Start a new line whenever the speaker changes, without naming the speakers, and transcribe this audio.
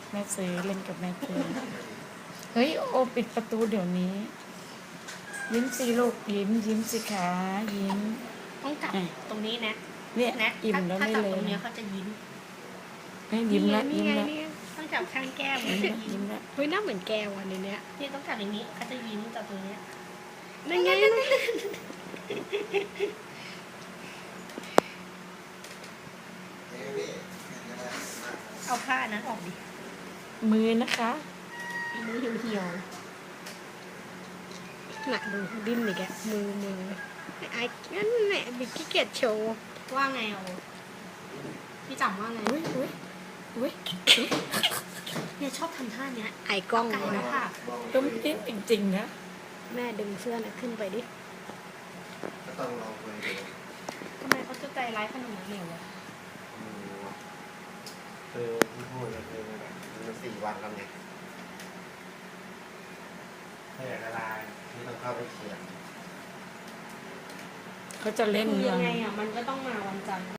แม่ซื้อเล่นกับแม่ซื้อเฮ้ยโอปิดประตูเดี๋ยวนี้ยิ้มสิลูกยิ้มสิคะยิ้ม
ต้องจับตรงนี้นะ
เนี่ย
นะ
อิ่มแล้วไม่เลย
ถ้าจับตรงนี้เขาจะยิ้ม
ยิ้มแล้ว
นี่
ยิ้ม
ไง
แล้ว
นี่ต้องจับข้างแก้ม
ยิ้มแล้ว
เฮ้ยหน้าเหมือนแกวันนี้เนี่ย
นี่ต้องจับอย่างนี้เขาจะยิ้มจับตรงนี้
นั่นไง
เอาผ้านั้นออกดิ
มือนะคะ
มือเหี่ยว
หนักดูดิ้นอีกแกมือไอ้นั่นแหละบิ๊กขี้เกียจโชว์
ๆว่าไงเอาพี่จำว่าไง
อุ้ย
เนี่ยชอบทำท่าเนี้ย
ไอ้กล้อง
ไก่นะค่ะ
ต้มจิ้มจริงๆนะ
แม่ดึงเสื้อน่ะขึ้นไปดิ
ก็ต้องลองคุยดู
ทำไมเขาจะใจร้ายขนาดนั้นเลยวะ
คือที่พูดก็คือแบบมัน4 วันแล้วไงถ้าอยากละลายที่ต้องเข้าไปเขียน
เขาจะเล่น
คือ
ยั
ยัง งไงอ่ะมันก็ต้องมาวันจันทร์